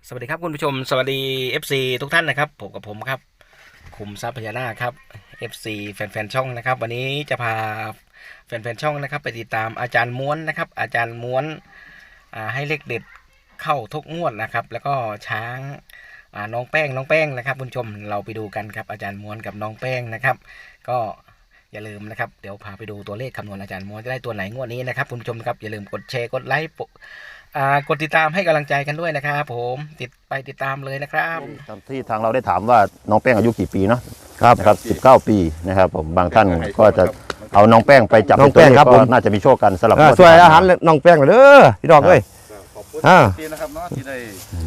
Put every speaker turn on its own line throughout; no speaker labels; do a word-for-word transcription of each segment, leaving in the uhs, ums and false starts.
สวัสดีครับคุณผู้ชมสวัสดี เอฟ ซี ทุกท่านนะครับผมกับผมครับคุมทรัพย์พญานาคครับ เอฟ ซี แฟนๆช่องนะครับวันนี้จะพาแฟนๆช่องนะครับไปติดตามอาจารย์ม้วนนะครับอาจารย์ม้วนให้เลขเด็ดเข้าทุกงวดนะครับแล้วก็ช้างน้องแป้งน้องแป้งนะครับคุณผู้ชมเราไปดูกันครับอาจารย์ม้วนกับน้องแป้งนะครับก็อย่าลืมนะครับเดี๋ยวพาไปดูตัวเลขคำนวณอาจารย์ม้วนจะได้ตัวไหนงวดนี้นะครับคุณผู้ชมครับอย่าลืมกดแชร์กดไลค์กดติดตามให้กำลังใจกันด้วยนะครับผมติดไปติดตามเลยนะครับ
ที่ทางเราได้ถามว่าน้องแป้งอายุกี่ปีเนาะครับนะครับสิบเก้าปีนะครับผมบางท่านก็จะเอาน้องแป้งไปจับน้องแป้งครับผมน่าจะมีโชคกันสำหรับ
ช่วยอาหารน้องแป้งเด้อพี่ดอกเอ้ย
ขอบคุณที่นะครับเนาะที่ได้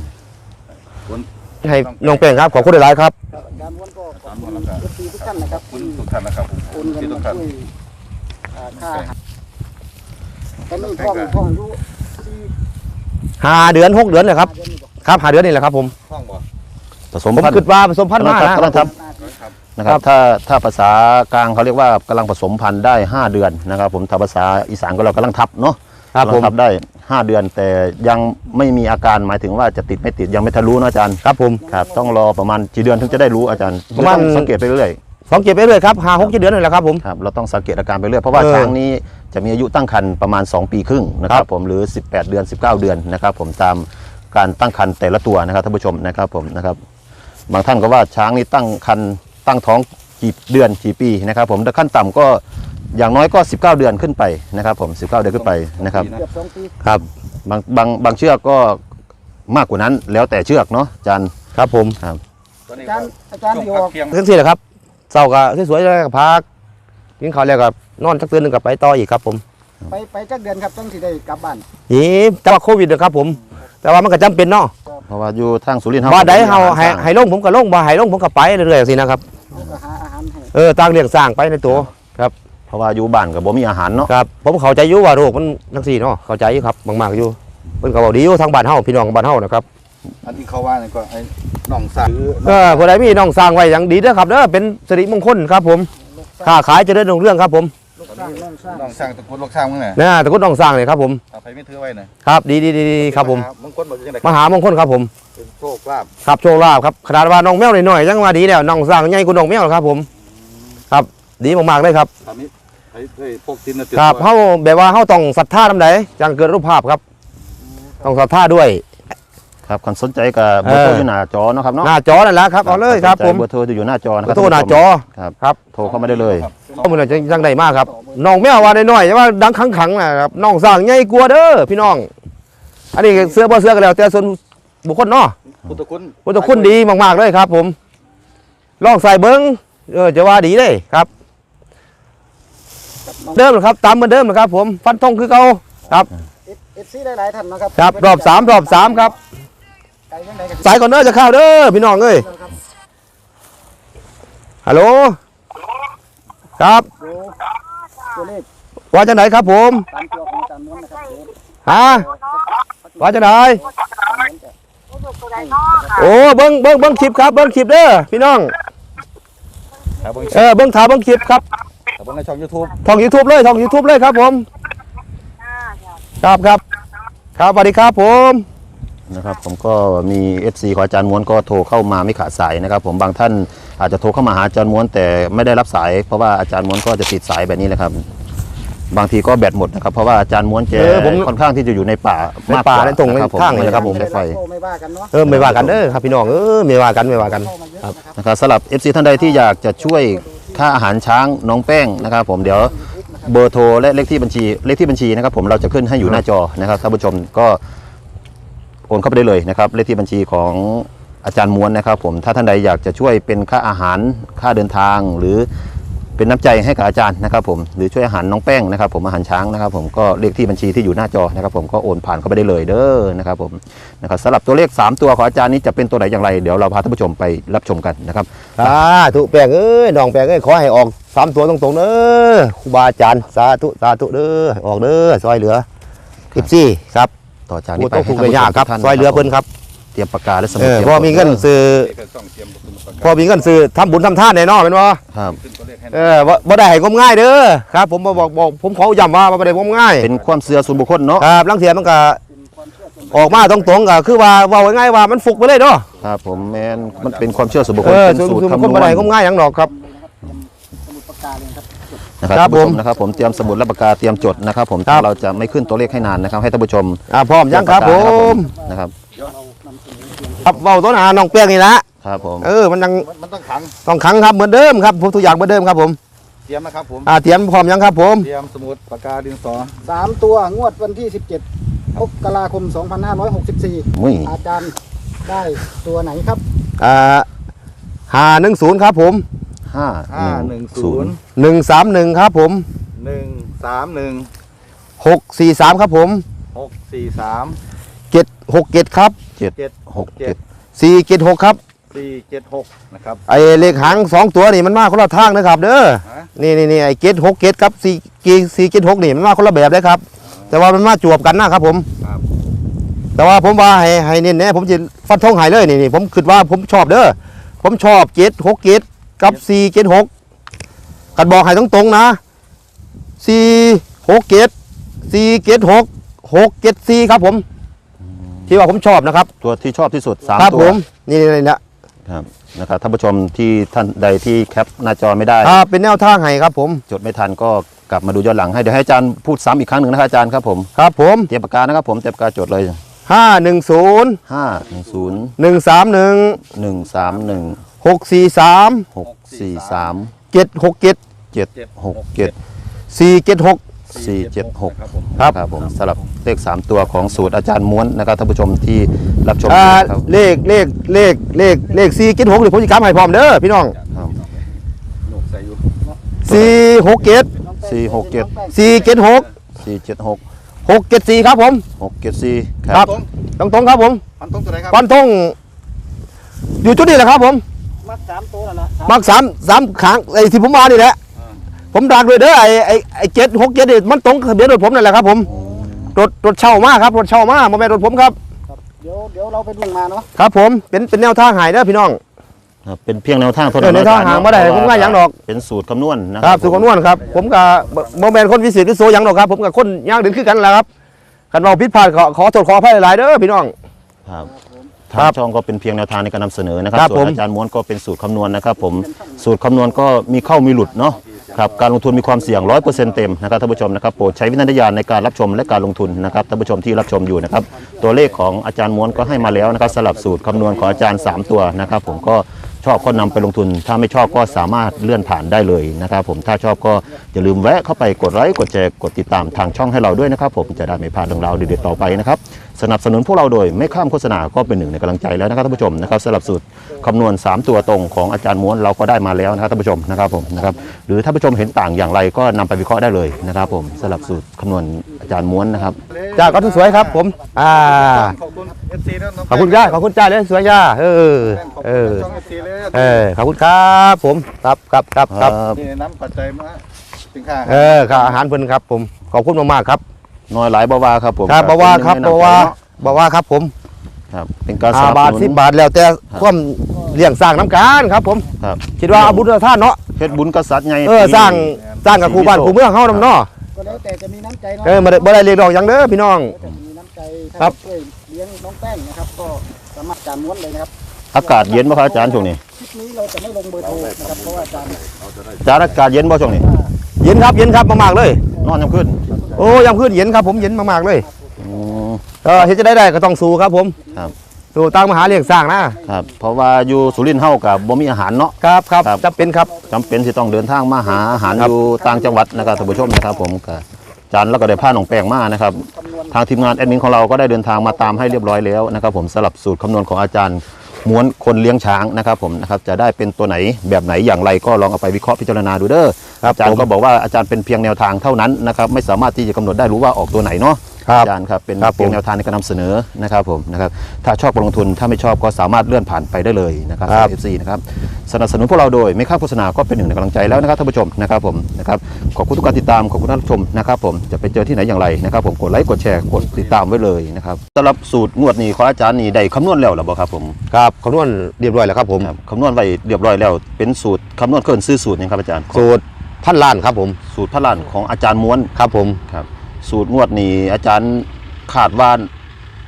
ให้น้องแป้งครับขอบคุณหลายๆครับ
การม้วนก็ขอบคุณทุกท่านนะครับ
คุณทุกท่านนะครับ
คุณที่ทุกท่านค่าตอนนี้ท้องท้องรู้
ห้าเดือนหกเดือนเลยครับครับห้าเดือนนี่แหละครับผม
ท้องบ่
ผสม
ผมคิดว่าผสมพันธุ์มา
นะครับนะครับถ้าถ้าภาษากลางเขาเรียกว่ากำลังผสมพันธุ์ได้ห้าเดือนนะครับผมถ้าภาษาอีสานก็เรากำลังทับเนาะ
ครับผม
ทับได้ห้าเดือนแต่ยังไม่มีอาการหมายถึงว่าจะติดไม่ติดยังไม่ทะลุนะอาจารย์
ครับผม
ครับต้องรอประมาณกี่เดือนถึงจะได้รู้อาจารย์ประมาณสังเกตไปเรื่อย
สังเกตไปเรื่อยครับห้าหกเดือนนี่แหละครับผม
ครับเราต้องสังเกตอาการไปเรื่อยเพราะว่าช้างนี้จะมีอายุตั้งครรภ์ประมาณสองปีครึ่งนะครับผมหรือสิบแปดเดือนสิบเก้าเดือนนะครับผมตามการตั้งครรภ์แต่ละตัวนะครับท่านผู้ชมนะครับผมนะครับบางท่านก็ว่าช้างนี้ตั้งครรภ์ตั้งท้องกี่เดือนกี่ปีนะครับผมแต่ขั้นต่ำก็อย่างน้อยก็สิบเก้าเดือนขึ้นไปนะครับผมสิบเก้าเดือนขึ้นไปนะครับครับบางบางบางเชือกก็มากกว่านั้นแล้วแต่เชือกเนาะอาจารย์
ครับผม
ครับ
อาจารย์อาจารย์อยู่
ทั้งสี่แหละครับเศร้าก็สวยๆเลยกับพักกินข้าวแล้วก็นอนสักคืนนึงกับไปต่ออีกครับผม
ไปไปจักเดือนครับต้องสิได้กลับบ้าน
นี่แต่ว่าโควิดนะครับผมแต่ว่ามันก็จำเป็นเนาะ
เพราะว่าอยู่ทางสุรินทร์
ว่าได้เฮาให้ให้ลงผมก็ลงบ่ให้ลงผมก็ไปเรื่อยๆสินะครับเออตั้งเลี้ยงสร้างไปในตัวครับ
เพราะว่าอยู่บ้านกับบ่มีอาหารเนาะ
ครับผมเข้าใจอยู่ว่าโรคมันทั้งสี่เนาะเข้าใจอยู่ครับมากๆอยู่เพิ่นก็บอกดีอยู่ทางบ้านเฮาพี่น้องบ้านเฮานะครับ
อันที่เขาว่านี่ก็ไอ้น้องสร้าง
เออผู้ใดมีน้องสร้างไว้อย่างดีเด้อครับเด้อเป็นสิริมงคลครับผมค้าขายเจริญรุ่งเรืองครับผม
น้องสร้างตะกุดลูกสร้างมึงไง
เนี่ยตะกุดน้องสร้างเลยครับผม
เอาไปไม่ถือไว้หน่อย
ครับดีดีดีครับผม
มงคลบอกยังไง
มหามงคลครับผม
โชคลาภ
ครับโชคลาภครับขนาดว่าน้องแมวหน่อยๆยังว่าดีแล้วน้องสร้างใหญ่กว่าน้องแมวครับผมครับดีมากๆเลยครับ
พวกทิน
ครับเฮาแบบว่าเฮาต้องศรัทธานำใดจังเกิดรูปภาพครับต้องศรัทธาด้วย
ครับคนสนใจกับเบอร์โทรอยู่หน้าจอเนาะครับเนาะ
หน้าจอนั่นแหละครับเอาเลยครับผม
เบอร์โทรอยู่หน้าจอนะครับ
โทรหน้าจอ
ครับ
ครับ
โทรเข้ามาได้เลย
ข้อมูลจะจังใดมากครับน้องแมวว่าน้อยๆว่าดังขังๆนะครับน้องสร้างใหญ่กลัวเด้อพี่น้องอันนี้เสื้อบ่เสื้อกันแล้วแต่ส่วนบุคคลเนาะ
พุทธคุณ
พุทธคุณดีมากๆเลยครับผมลองใส่เบิ้งเออจะว่าดีเลยครับเดิมครับตามเหมือนเดิมนะครับผมฟันธงคือเขาครับ
เอฟซีได้หลายท่านนะครับ
ครับรอบสามรอบสามครับสายก่อนเด้อจะเข้าเด้อพี่น้องเอ้ยฮัลโหลครับว่าจะไหนครับผมฮะว่าจะไหนโอ้เบิ้งเบิ้งเบิ้งคลิปครับเบิ้งคลิปเด้อพี่น้องเออเบิ้งถ่ายเบิ้งคลิปครับ
เบิ้งในช่องยูทูบ
ช่องยูทูบเลยช่องยูทูบเลยครับผมครับครับครับสวัสดีครับผม
นะครับผมก็มี เอฟ ซี ของอาจารย์ม้วนก็โทรเข้ามาไม่ขาดสายนะครับผมบางท่านอาจจะโทรเข้ามาหาอาจารย์ม้วนแต่ไม่ได้รับสายเพราะว่าอาจารย์ม้วนก็จะติดสายแบบนี้แหละครับบางทีก็แบตหมดนะครับเพราะว่าอาจารย์ม้วนแกค่อนข้างที่จะอยู่ในป่ามาก
ป่าในตรงในข้างเลยครับผม
ไฟ
เออไม่ว่ากันเด้อครับพี่น้องเออไม่ว่ากันไม่ว่ากัน
ครับนะครับสำหรับ เอฟ ซี ท่านใดที่อยากจะช่วยค่าอาหารช้างน้องแป้งนะครับผมเดี๋ยวเบอร์โทรและเลขที่บัญชีเลขที่บัญชีนะครับผมเราจะขึ้นให้อยู่หน้าจอนะครับท่านผู้ชมก็โอนเข้าไปได้เลยนะครับเลขที่บัญชีของอาจารย์ม้วนนะครับผมถ้าท่านใดอยากจะช่วยเป็นค่าอาหารค่าเดินทางหรือเป็นน้ำใจให้กับอาจารย์นะครับผมหรือช่วยอาหารน้องแป้งนะครับผมอาหารช้างนะครับผมก็เลขที่บัญชีที่อยู่หน้าจอนะครับผมก็โอนผ่านเข้าไปได้เลยเด้อนะครับผมนะครับสำหรับตัวเลขสามตัวของอาจารย์นี้จะเป็นตัวไหนอย่างไรเดี๋ยวเราพาท่านผู้ชมไปรับชมกันนะครับ
สาธุแป้งเอ้ยน้องแป้งเอ้ยขอให้ออกสามตัวตรงๆเด้อครูบาอาจารย์สาธุสาธุเด้อออกเด้อซอยเหลือสิบสี่ครับ
ต่อจากนี้ไป
ต้องคุยยากครับซอยเหลือเพิ่นครับ
เตรียมปากกาและสมุด
พอมีเงินซื้อพอมีเงินซื้อทำบุญทำทานแน่นอนเป็นว่า
ครับ
เออบ่ได้ให้งมง่ายเด้อครับผมบอกบอกผมขอย้ำว่าบ่ได้งมง่าย
เป็นความเชื่อส่วนบุคคลเนาะ
ครับลังเทียมันก็ออกมาตรงๆก็คือว่าเว้าง่ายๆว่ามันฟุกไปเลยเนาะ
ครับผมแมนมันเป็นความเชื่อส่วนบุคค
เอ
ล
อ
เป็น
ส่วน
สูตร
ส่วน
คำน
คน
ว
บ่
ณ
ได้ก็ง่ายหยังดอกครับ
สมุดปากกาเลยครับ
นะครับ
ครับ
ท่านผู้ช
ผม
มนะครับผมเตรียมสมุดและปากกาเตรียมจดนะครับผม
ครับ
เราจะไม่ขึ้นตัวเลขให้นานนะครับให้ท่านผู้ชม
อ่าพร้อมยังครับผม
นะครับ
ครับเว้าต้นหาน้องแป้งนี่ละ
ครับผม
เออมันยัง
มันมันต้องขัง
ต้องขังครับเหมือนเดิมครับผมทุกอย่างเหมือนเดิมครับผม
เตรียมนะครับผม
อ่าเตรียมพร้อมยังครับผม
เตรียมสมุดปากกาดินสอ
สามตัวงวดวันที่สิบเจ็ดมกราคมสองพันห้าร้อยหกสิบสี่
มุ้ย
อาจารย์ได้ตัวไหนครับ
อ่าหาหนึ่งศูนย์ครับผม
ห้า
ห้า
ห
ห
นึ่
นึ่
ง
ง
ศู
ศู
น
น
ย์
ย์
หนึ่งสามหนึ่งครับผม
หนึ่งสามหนึ่ง
หกสี่สามครับผม
หกสี่สาม
เจ็ดหกเจ็ดครับ
เจ็ด
เจ็ด
หกเจ็ด
สี่เจ็ดหกครับ
สี่เจ็ดหกนะครับ
ไอ้เลขหางสองตัวนี่มันมาคนละทางนะครับเด้อ
ฮะ
นี่นี่นี่ไอ้เกตหกเกตครับสี่สี่เกตหกนี่มันมาคนละแบบเลยครับ แต่ว่ามันมาจวบกันนะครับผม
ครับ
แต่ว่าผมว่าให้ให้เน้นแน่ผมจะฟันธงให้เลยนี่นี่ผมคิดว่าผมชอบเด้อผมชอบเกตหกเกตกับสี่เกตหกกันบอกให้ตรงๆนะสี่หกเกตสี่เกตหกหกเกตสี่ครับผมที่ว่าผมชอบนะครับ
ตัวที่ชอบที่สุดสาม
ครับ
ตั
ผ
ว
มนี่นี่นี่นะครับ
นะครับท่านผู้ชมที่ท่านใดที่แคปหน้าจอไม่ได้
อ่าเป็นแนวทางให้ครับผม
จดไม่ทันก็กลับมาดูย้อนหลังให้เดี๋ยวให้อาจารย์พูดซ้ำอีกครั้งหนึ่งนะครับอาจารย์ครับผม
ครับผม
เตรียมปากกานะครับผมเตรียมปากกาจดเลย
ห้าหนึ่งศูนย์
ห้าหนึ่งศูนย์
หนึ่งสามหนึ่ง
หนึ่งสามหนึ่ง
หกสี่สาม
หกสี่สาม
เจ็ดหกเจ็ด
เจ็ดหกเจ็ด
สี่เจ็ดหก
สี่เจ็ดหก
ครับผม
ครับ
ครับผมสำหรับเลขสามตัวของสูตรอาจารย์ม้วนนะครับท่านผู้ชมที่รับชม
อ่า
อยู่นะครับ
เลขเลขเลขเลขเลขสี่เจ็ดหกหรือผมจะกำให้พร้อมเด้อพี่น้อง
ครับ
หนกใส่อยู่
สี่หกเจ็ด
สี่หกเจ็ด
สี่เจ็ดหก
สี่เจ็ดหก
หกเจ็ดสี่ครับผม
หกเจ็ดสี่ค
ครั
รับ
ตรง
ตรงตรงๆครับผม
พันตรงตัวไหนครับ
ฟันธงอยู่จุดนี้แหละครับผม
มักสามตัวนั่นแหละ
มักสามสามขางไอ้ที่ผมมานี่แหละผมดักเลยเด้อไอ้ไอ้ไอ้เจ็ดหกเจ็ดนี่มันตรงทะเบียนรถผมนั่นแหละครับผมรถรถเช่ามาครับรถเช่ามาโมแมนรถผมครับ
ครับเดี๋ยวเดี๋ยวเราไปดูมาเนาะ
ครับผมเป็นเป็นแนวทางใหายเด้อพี่น้อง
ครับเป็นเพียงแนวทางเท่า
เอ
นั้
อน แนวทางหาบ่ได้ผมว่าหยังดอก
เป็นสูตรคำนวณนะ
ครับสุขนวลครับผมกับโมแมนคนวิเศษวิโสหยังดอกครับผมกับคนย่างเดินขึ้นกันแหละครับกันเราผิดพลาดขอขอโทษขออภัยหลายๆเด้อพี่น้อง
ครับ
ครั
ทาง
บ
ช่องก็เป็นเพียงแนวทางในการนำเสนอนะครับ
ครับ
ส่วน
ผม
อาจารย์ม้วนก็เป็นสูตรคำนวณนะครับผมสูตรคำนวณก็มีเข้ามีหลุดเนาะครับการลงทุนมีความเสี่ยง ร้อยเปอร์เซ็นต์ เต็มนะครับท่านผู้ชมนะครับโปรดใช้วิจารณญาณในการรับชมและการลงทุนนะครับท่านผู้ชมที่รับชมอยู่นะครับตัวเลขของอาจารย์ม้วนก็ให้มาแล้วนะครับสลับสูตรคำนวณของอาจารย์สามตัวนะครับผมก็ชอบก็นำไปลงทุน ถ้าไม่ชอบก็สามารถเลื่อนผ่านได้เลยนะครับผมถ้าชอบก็อย่าลืมแวะเข้าไปกดไลค์กดแชร์กดติดตามทางช่องให้เราด้วยนะครับผมจะได้ไม่พลาดเรื่องราวเด็ดๆต่อไปนะครับสนับสนุนพวกเราโดยไม่ข้ามโฆษณาก็เป็นหนึ่งในกำลังใจแล้วนะครับท่านผู้ชมนะครับสำหรับสูตรคำนวณสามตัวตรงของอาจารย์ม้วนเราก็ได้มาแล้วนะครับท่านผู้ชมนะครับผมนะครับหรือท่านผู้ชมเห็นต่างอย่างไรก็นำไปวิเคราะห์ได้เลยนะครับผมสำหรับสูตรคำนวณอาจารย์ม้วนนะครับ
จ้าก็สวยครับผมอ่า
ขอบคุณเอฟซีนะน้ง
ขอบคุณจ้าขอบคุณจ้าเลยสวยจ้าเออ
ขอบ
เอ
คุณ
อ
ช่องเอฟซีเลย
เออขอบคุณครับผมครับครับครับครับ
นี่น้ำปัจจัยมาสินค้า
เออค่าอาหารเพิ่นครับผมขอบคุณมากๆครับ
น้อยหลายบ่าวาครับผม
ครับบ่ว่าครับบ่ว่าบ่ว่าครับผม
ครับเป็นการส
ห้า
นับบ
าท
สนุ
สิบ
น
บาทแล้วแต่ความเลี้ยงสร้างน้ำกันครับผม
ครับ
คิดว่าเอาบุญเอาท่านเนาะ
เพชรบุญกษัตริย์ไง
เออสร้างสร้างกับครูบ้านครูเมืองเฮานำเนาะ
ก็แล้วแต่จะมีน้ำใจเนาะ
เออบ่ได้บ่ได้เรียกดอกหยังเด้อพี่น้อง
แล้วแต่มีน้ำใจ
ครับ
ช่วยเลี้ยงน้องแป้งนะครับ ก็สามารถจานม้วนเลยนะครับ
อากาศเย็นป่ะครับอาจารย์ช่วงนี้
คลิปนี้เราจะไม่ลงเบอร์โทรนะครับเพราะว่าอาจารย์
อาจารย์อากาศเย็นป่ะช่วงนี้
เย็นครับเย็นครับมากๆเลย
นอนยังขึ้น
โอ้ยามคืนเย็นครับผมเย็นมากๆเลย
อืม
เออเฮ็ดจะได้ได้ก็ต้องสู้ครับผม
ครับ
สู้ตั้งมหาเลี้ยงสร้างนะครับ
เพราะว่าอยู่สุรินทร์เฮากับบ่มีอาหารเนาะ
ครับครับ
ครับ
จำเป็นครับ
จำเป็นที่ต้องเดินทางมาหาอาหาร
ครับ
อยู่ต่างจังหวัดนะครับท่านผู้ชมนะครับผมกับอาจารย์แล้วก็ได้พาน้องแป้งมานะครับทางทีมงานแอดมินของเราก็ได้เดินทางมาตามให้เรียบร้อยแล้วนะครับผมสลับสูตรคำนวณของอาจารย์ม้วนคนเลี้ยงช้างนะครับผมนะครับจะได้เป็นตัวไหนแบบไหนอย่างไรก็ลองเอาไปวิเคราะห์พิจารณาดูเด้อ
ครับ
อาจารย์
ผม
ก็บอกว่าอาจารย์เป็นเพียงแนวทางเท่านั้นนะครับไม่สามารถที่จะกำหนดได้รู้ว่าออกตัวไหนเนาะ
ครับ
อาจารย์ครับเป็น
ครับผม
เพียงแนวทางในการนำเสนอนะครับผมนะครับถ้าชอบก็ลงทุนถ้าไม่ชอบก็สามารถเลื่อนผ่านไปได้เลยนะครับ
ครับ
เอฟซีนะครับสนับสนุนพวกเราโดยไม่ค่าโฆษณาก็เป็นหนึ่งในกำลังใจแล้วนะครับท่านผู้ชมนะครับผมนะครับขอบคุณทุกการติดตามขอบคุณท่านผู้ชมนะครับผมจะไปเจอที่ไหนอย่างไรนะครับผมกดไลค์กดแชร์กดติดตามไว้เลยนะครับสำหรับสูตรงวดนี้ของอาจารย์นี่ได้คำนวณแล้วหรือเปล่าครับผม
ครับคำนวณเรียบร้อยแล้วครับผม
ครับคำนวณไว้เรียบร้อยแล้วเป็นสูตรคำนวณเคลื่อนซื้อสูตรนะครับอาจารย์
สูตรพันล้านครับผม
สูตรพระลานของอาจารย์ม้วน
ครับผม
ครับสูตรงวดนี้อาจารย์คาดว่า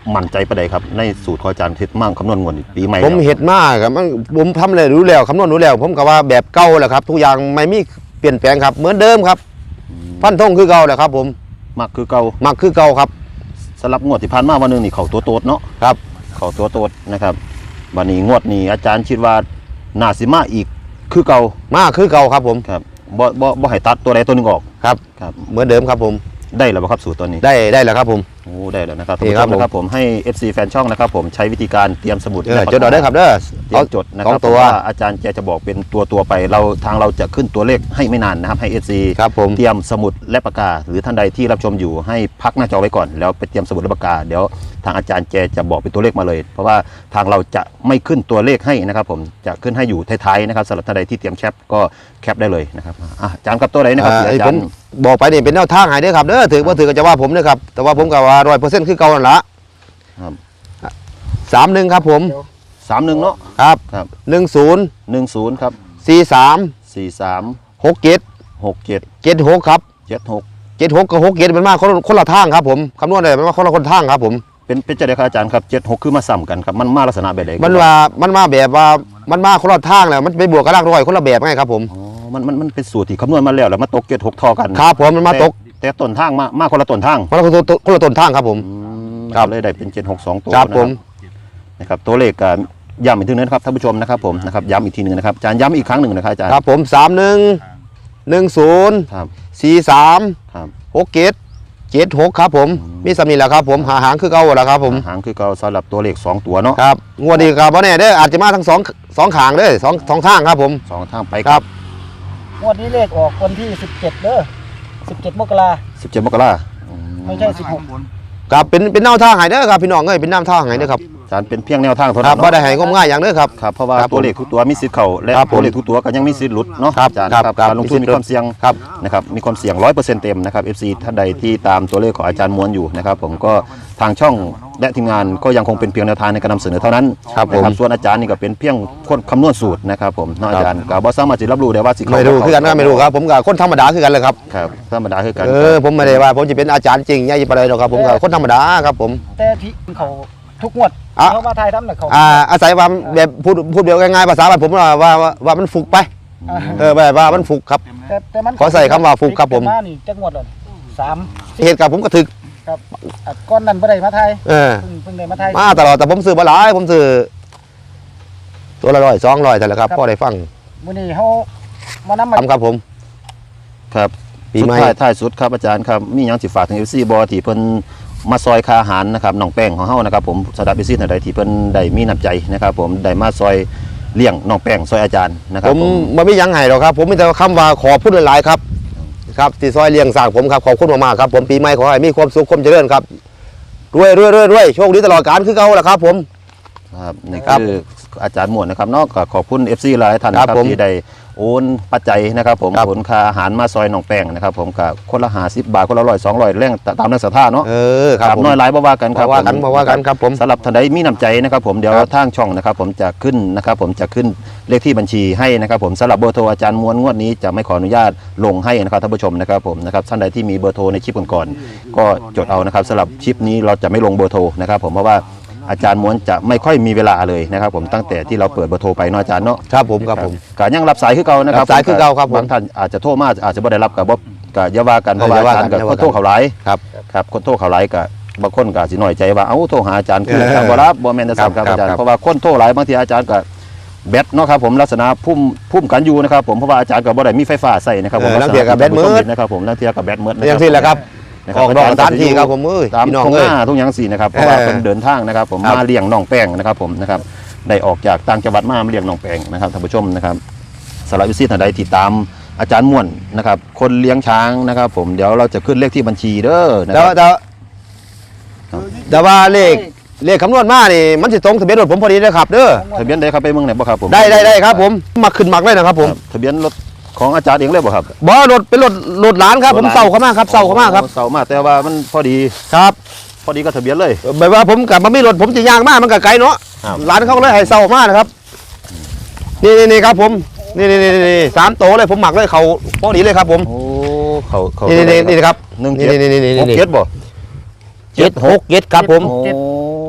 มั่นใจประใดครับในสูตรของอาจารย์เฮ็ดมั่งคำนวณงวดนี้ปีใหม่
ผม
แล้ว
เห็ดมากครับมันผมทำเลยรู้แล้วคำนวณรู้แล้ว ผมก็ว่าแบบเก่าแหละครับ ทุกอย่างไม่มีเปลี่ยนแปลงครับเหมือนเดิมครับฟันธงคือเก่าแหละครับ ผม
มักคือเก่า
มักคือเก่าครับ
สำหรับงวดที่ผ่านมาวันหนึงนี่เขาตัวโตดเนาะ
ครับ
เขาตัวโตดนะครับวันนี้งวดนี้อาจารย์คิดว่าน่าสิมาอีกคือเก่าม
ากคือเก่าครับผม
ครับบ่บ่บ่ให้ตัดตัวใดตัวหนึงออก
ครับ
ครับ
เหมือนเดิมครับผม
ได้แล้วบ่ครับสูตรตัวนี้
ได้ได้แล้วครับผม
โอ้ได้แล้วนะครับ
นี่
ท่านผู้ช
ครับผม
มนะครับผมให้ เอฟ ซี แฟนช่องนะครับผมใช้วิธีการเตรียมสมุด
เออ
และปาก
จดเอาได้ครับเด้อ
เตรียมจดนะค
สอ
รับ
งตัว
เพราะว่าอาจารย์แกจะบอกเป็นตัวตัวๆไปเราทางเราจะขึ้นตัวเลขให้ไม่นานนะครับให้ เอฟ ซี
ครับผม
เตรียมสมุดและปากกา หรือท่านใดที่รับชมอยู่ให้พักหน้าจอไว้ก่อนแล้วไปเตรียมสมุดและปากกาเดี๋ยวทางอาจารย์แกจะบอกเป็นตัวเลขมาเลย เพราะว่าทางเราจะไม่ขึ้นตัวเลขให้นะครับผมจะขึ้นให้อยู่ท้ายๆนะครับสำหรับท่านใดที่เตรียมแคปก็แคปได้เลยนะครับอ่ะอาจารย์ครับตัวไหนนะครับ
อ่า
ที่
ไอ้
อา
ผ
จาม รย์
บอกไปนี่เป็นแนวทางให้เด้อครับเด้อถือว่าถือก็จะว่าผมเด้อครับแต่ว่าผมก็ว่าร้อยเปอร์เซ็นต์คือเก่านั่นละ
ครับ
สามหนึ่งครับผม
สามหนึ่งเนาะ
ครับ
ครับ
หนึ่งศูนย์
หนึ่งศูนย์ครับ
สี่สาม
สี่สาม
หกเจ็ด
หกเจ็ด
เจ็ดหกครับ
เจ็ดหก
เจ็ดหกกับหกเจ็ดมันมาคนคนละทางครับผมคำนวณได้มันมาคนละคนทางครับผม
เป็นเป็นเจ้าเดียวกับอาจารย์ครับเจ็ดหกคือมาซ้ำกันครับมันมาลักษณะแบบไหน
มันว่ามันมาแบบว่ามันมาคนละทางแล้วมันไปบวกกับรากร้อยคนละแบบไงครับผม
อ๋อมันมันมันเป็นสูตรที่คำนวณมาแล้วแล้วมาตกเจ็ดหกทอกัน
ครับผมมันมาตก
แต่แต่ต้นทางมามาคนละต้นทาง
คนละคนคนละต้นทางครับผม
อืม
ครับ
เลยได้เป็นเจ็ดหกสองตัว
ครับ
นะ
ผม
นะครับตัวเลขก็ย้ำอีกทีนึงนะครับท่านผู้ชมนะครับผมนะครับย้ำอีกทีหนึงนะครับอาจารย์ย้ำอีกครั้งหนึ่งนะครับอาจารย์
ครับผมสามหนึ่งหนึ่งศูนย์
ครับ
สี่สาม
ครับ
หกเจ็ดเจ็ดหกครับผมมีสำนีแหละครับผมหาหางคือเก่าแหละครับผม
หางคือเก่าสำหรับตัวเลขสองตัวเนาะ
ครับงวดนี้ครับบ่แน่เด้ออาจจะมาทั้งสองสองขางเด้อสองสองทางครับผม
สองทางไป
ครับ
งวดนี้เลขออกวันที่สิบเจ็ดเด้อสิบเจ็ดมกรา
สิบเจ็ดมกราคม
ไม่ใช่สิบหก
ครับเป็นเป็นแนวทางให้เด้อครับพี่น้องเอ้ยเป็นแนวทางให้เด้อครับ
อาจารย์เป็นเพียงแนวทางเท่า
ครั
นั้
บ
น
บ่
เนาะ
ได้ให้งมง่ายอย่างเด้อครับ
ครับเพราะว่า
ครับผม
ตัวเลขทุกตัวมีสิทธิ์เข้าและ
ครับผม
ตัวเลขทุกตัวก็ยังมีสิทธิ์หลุดเนาะ
ครับ
อาจารย์
ครับ
ครับ
ครับ
การลงทุนมีความเสี่ยง
ครับ
นะครับมีความเสี่ยงร้อยเปอร์เซ็นต์เต็มนะครับ เอฟ ซี ท่านใดที่ตามตัวเลขของอาจารย์ม้วนอยู่นะครับผมก็ทางช่องและทีมงานก็ยังคงเป็นเพียงแนวทางในการนำเสนอเท่านั้น
ครับผม
นะส่วนอาจารย์นี่ก็เป็นเพียงคนคำนวณสูตรนะครับผมเนาะอาจารย์ก็บ่สามารถจะรับรู้ได้ว่าสิเข้า
ไม่รู้คือกันก็ไม่รู้ครับผมก็คนธรรมดาคือกันเลยครับ
ครับธรรมดาคือกัน
เออผมไม่ได้ว่าผมจะเป็นอาจารย์จริงใหญ่ปานใดหรอกครับผมก็คนธรรมดาครับผม
แต่ที่เขาทุกงวด
อ่ะ
เขามาไทยทำน่ะเขา
อ่าอาศัยว่าแบบพูดพูดเดียวง่ายๆภาษาบ้านผมว่าว่าว่าว่ามันฟุกไป
อ่า
เออแบบว่ามันฟุกครับ
แต่แต่มัน
ขอใส่คำว่าฟุกครับผม
มานี่จักงวดเลยสาม
เหตุการณ์ผมก็ถึก
ครับอ่ะก้อนนั้นบ่ได้มาไทย
เออ
เพิ่งเพิ่งได้มาไทย
มาตลอดแต่ผมซื้อมาหลายผมซื้อตัวละร้อยสองร้อยแต่ละครับพ่อได้ฟัง
มื้อนี้เฮามานำมา
ทำครับผม
ครับ
ปี
สุด
ใหม่
ท้ายท้ายสุดครับอาจารย์ครับมีหยังสิฝากถึง เอฟ ซี บ่ที่เพิ่นมาซอยค่าอาหารนะครับน้องแป้งของเฮานะครับผมสำหรับ เอฟ ซี ท่านใดที่เพิ่นได้มีน้ำใจนะครับผมได้มาซอยเลี้ยงน้องแป้งซอยอาจารย์นะค
ผ
รับ
ม
ผม
มันไม่ยั้งไห้หรอกครับ ผมมีแต่คำว่าขอพูดหลายๆครับ ครับที่ซอยเลี้ยงสร้างผมครับขอบคุณมากๆครับผมปีใหม่ขอให้มีความสุขความเจริญครับรวยรวยรวยรวยโชคดีตลอดกาลคือเก่าแหละครับผม
ครับนี่
ครับ
คืออาจารย์หมวดนะครับเนาะก็ขอบคุณ เอฟ ซี หลายท่านนะค
ครั
รับบ
ผม
ที่ได้โอนปัจจัยนะครับผม
ครับ
ผลค่าอาหารมาซอยน้องแป้งนะครับผมก็คนละห้าสิบบาทคนละร้อยสองร้อยแรงตามแรงศรัทธาเนาะ
เออครับผม
น้อยหลายบ่ว่ากันครับ
บ่ว่ากัน
ผม
บ่ว่ากันครับผม
สำหรับท่านใดมีน้ำใจนะครับผมเดี๋ยว
ครับ
ทางช่องนะครับผมจะขึ้นนะครับผมจะขึ้นเลขที่บัญชีให้นะครับผมสำหรับเบอร์โทรอาจารย์ม้วนงวดนี้จะไม่ขออนุญาตลงให้นะครับท่านผู้ชมนะครับผมนะครับท่านใดที่มีเบอร์โทรในชิปก่อนๆก็จดเอานะครับสำหรับชิปนี้เราจะไม่ลงเบอร์โทรนะครับผมเพราะว่าอาจารย์ม้วนจะไม่ค่อยมีเวลาเลยนะครับผมตั้งแต่ที่เราเปิดเบอร์โทรไปเนาะอาจารย์เนาะ
ครับผมครับผม
ก็ยังรับสายคือเก่านะครับ
รับสายคือเก่าครับผม
บางท่านอาจจะโทรมาอาจจะไม่ได้รับกับบ่ก็อย่าว่ากันเพราะว่า
เอออย่า
อา
ว่า
จารย์
กั
กับ
น
คนโทรเขาหลาย
ครับ
ครับคนโทรเขาหลายก็บางคนก็สิน้อยใจว่าเอ้าโทรหาอาจารย์คือ
เออ
อาจารย์บ่รับบ่แม่นนะครับ
ครับ
อาจารย์
ครับ
เพราะว่าคนโทรหลายบางทีอาจารย์ก็แบตเนาะครับผมลักษณะพุ่มพุ่มกันอยู่นะครับผมเพราะว่าอาจารย์ก็บ่ได้มีไฟฟ้าใส่นะครับผม
เออลังเทียกับแบตมืด
นะครับผมลังเทียกับแบตมืดนะ
อย่างที่แหละครับ
นะ
ออกดอกสถานที่ครับผมเอ้ย
ตาม
พี่น้อง
ตรงห
เอ้ย
น้าทุกอย่างสี่นะครับเพราะว่า
เออ
เป็นเดินทางนะครับผม
ครับ
มาเลี้ยงน้องแป้งนะครับผมนะครับได้ออกจากต่างจังหวัดมามาเลี้ยงน้องแป้งนะครับท่านผู้ชมนะครับสำหรับวิสิตท่านใดที่ตามอาจารย์ม่วนนะครับคนเลี้ยงช้างนะครับผมเดี๋ยวเราจะขึ้นเลขที่บัญชีเด้อนะ
แต่
ครั
ว่า
บ
แต่ว่าแต่ว่าเลขเลขคำนวณมานี่มันสิตรงทะเบียนรถผมพอดีนะครับเด้อ
ทะเบียนได้ครับไปเมืองไหนบ่ครับผม
ได้ได้ได้ครับผมมาขึ้นมักเลยนะครับผม
ครับทะเบียนรถของอาจารย์เองเลยบ่ครับ
บ่รถเป็นรถรถหลานครับผมเศร้าเข้ามาครับเศร้าเข้ามาครับ
อ๋อเสามาแต่ว่ามันพอดี
ครับ
พอดีก็ทะเบียนเลย
แบบว่าผมกลับมามีรถผมจะย่างมากมันก็ไกลเนาะ
ครับ
หลานเขาก็เลยให้เศร้ามานะครับนี่นี่นี่ครับผมนี่นี่นี่นี่สามโตเลยผมหมักเลยเขาพอดีเลยครับผม
โอ้เขาเขา
นี่นี่นี่นี่ครับ
หนึ่ง
นี่
เจ็ด
นี่นี่นี่
หก
นี่
เจ็ดบ่
เจ็ดหกเจ็ดครับผม
โอ้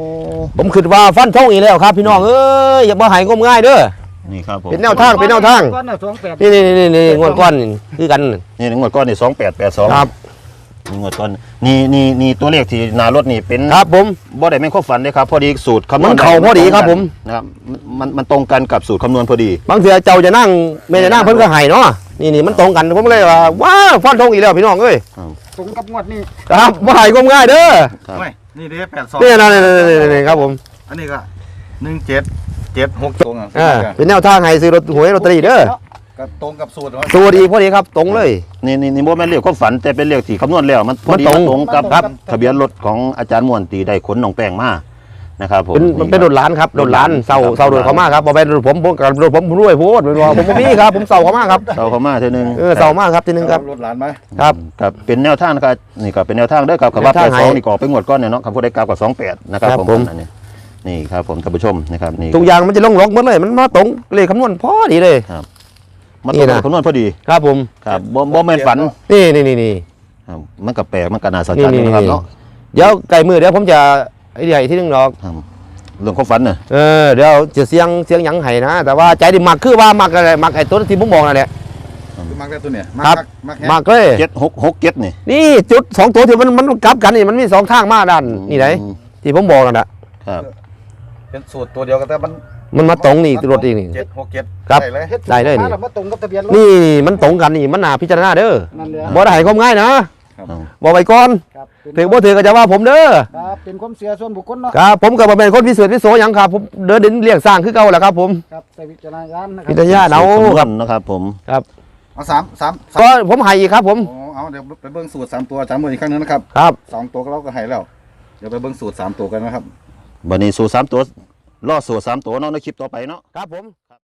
ผมคิดว่าฟันธงอีกแล้วครับพี่น้องเอ้ยอย่ามาใหายงมง่ายเด้อ
นี่ครับผม
เป็นแนวทางเป็นแนวทาง
ก้อนน่ะสองแปด
นี่นี่นี่นี่งวดก้อนนี่คือกัน
นี่งวดก้อนนี่สองแปดแปดสอง
ครับ
นี่งวดก้อนนี่นี่นี่ตัวเลขที่หนารถนี่เป็น
ครับผม
บ่ได้แม่นข้อฝันเลยครับพอดีสูตรคำนวณ
มันเข้าพอดีครับผม
นะครับมันมันมันตรงกันกับสูตรคำนวณพอดี
บางเทีเจ้าจะนั่งไม่ได้นั่งเพิ่นก็ใหายเนาะนี่นี่มันตรงกันผมเลยว่าว้าวฟันธงอีกแล้วพี่น้องเอ้ย
ตรงกับงวดนี้
ครับมาใหายงมง่ายเด้อ
ครับ
ไม่นี่เด้แปดสอง
นี่นะนี่นี่นี่นี่ครับผม
อันนี้ก็หนึ่งเจ็ดเจ็ดหกตรงอ่ะ
อ่าเป็นแนวทางให้ซื้อรถหวยลอตเตอรี่เด้อ
ก็ตรงกับสูตร
สูตรอีกพอดีครับตรงเลย
นี่นี่นี่บ่แม่นเลขความฝันแต่เป็นเลขที่คำนวณแล้วมันพอดี
มันตรง
มันตรงกับครับทะเบียนรถของอาจารย์ม่วนตีได้ขนน้องแป้งมานะครับผม
เป็นมันเป็นรถหลานครับรถหลานเสาเสารถเขามาครับบ่เป็นรถผมผมกับรถผมรวยโพดเป็นว่าผมบ่มีครับผมเสาเขามาครับ
เสาเข้ามาเท่านึง
เออเสามาครับทีนึงครับ
รถหลานไหม
ครับ
ครับเป็นแนวทางนะครับนี่ก็เป็นแนวทางเด้อครับกับว่า
แนวทาง
แปดสอง
ให้
นี่ก็เป็นงวดก้อนเนี่ยเนาะครับผู้ได้กลับกับสองแปดนะครับ
ครับ
ผม
ผม
อันนี้นี่ครับผมท่านผู้ชมนะครับนี่
ทุกอย่างมันจะลงล็อกหมดเลย มันมาตรงเลขคำนวณพอดีเลย
มัน
นี่
ตรง
นะ
กับคำนวณพอดี
ครับผม
ครับบ่บ่แม่นฝัน
นี่นี่นี่นี่
ครับมันก็แปลกมันก็น่าสน
นี่
ใจ
นี่
นะครับ
นี่
เนาะ
เดี๋ยวไก่มือเดี๋ยวผมจะไอ้เดียวอีกที่นึงดอก
ครับเรื่องความฝันน่ะ
เออเดี๋ยวจะเสียงเสียงหยังไห้นะ แต่ว่าใจดิมักคือว่ามักอะไรมักไอ้ตัวที่ผมบอกนั่นแหละ
มักได้ตัวเนี่ย
ครับ
มัก
มักเลย
เจ็ดหกหกเจ็ดนี่
นี่จุดสองตัวที่มันมันกลับกันนี่มันมีสองทางมาด้านนี่ไหนที่ผมบอกนั่นแหละ
ครับ
เป็นสูตรตัวเดียวกันแต่มัน
มันมาตรงนี่รถอีกนี่
เจ็ดหกเจ็ด
ครับ
ได้เลย
เฮ็ด
ได้เลยนี่
มาแล้วมาตรงกับทะเบียนรถ
นี่มันตรงกันนี่มันน่าพิจารณาเด้อ
นั่นเลย
บ่ได้ให้ความง่ายนะบอกไว้ก่อน
ครับเป็น
ถือบ่ถือก็จะว่าผมเด้อ
ครับเป็นความเสียส่วนบุคคลเนาะ
ครับผมก็บ่เป็นคนพิเศษพิโสหยังครับผมเดินดินเลี้ยงสร้างคือเก่าแหละครับผม
ครับใส่วิจารณญาณนะค
พิ
รับ
จารณาเอา
สูตรคำนว
ครั
ณ
บ
นะครับผม
เอาสามสามสาม
ก็ผมให้อีกครับผม
โอ้เอาเดี๋ยวไปเบิ้งสูตรสามตัวสามตัวอีกครั้งหนึงนะครับ
ครับ
สองตัวก็เราก็ให้แล้ว เดี๋ยวไปเบิ้งสูตรสามตัวกันนะครับ
บัดนี้สูตรสามตัวรอสูตรสามตัวเนาะในคลิปต่อไปเนาะ
ครับผม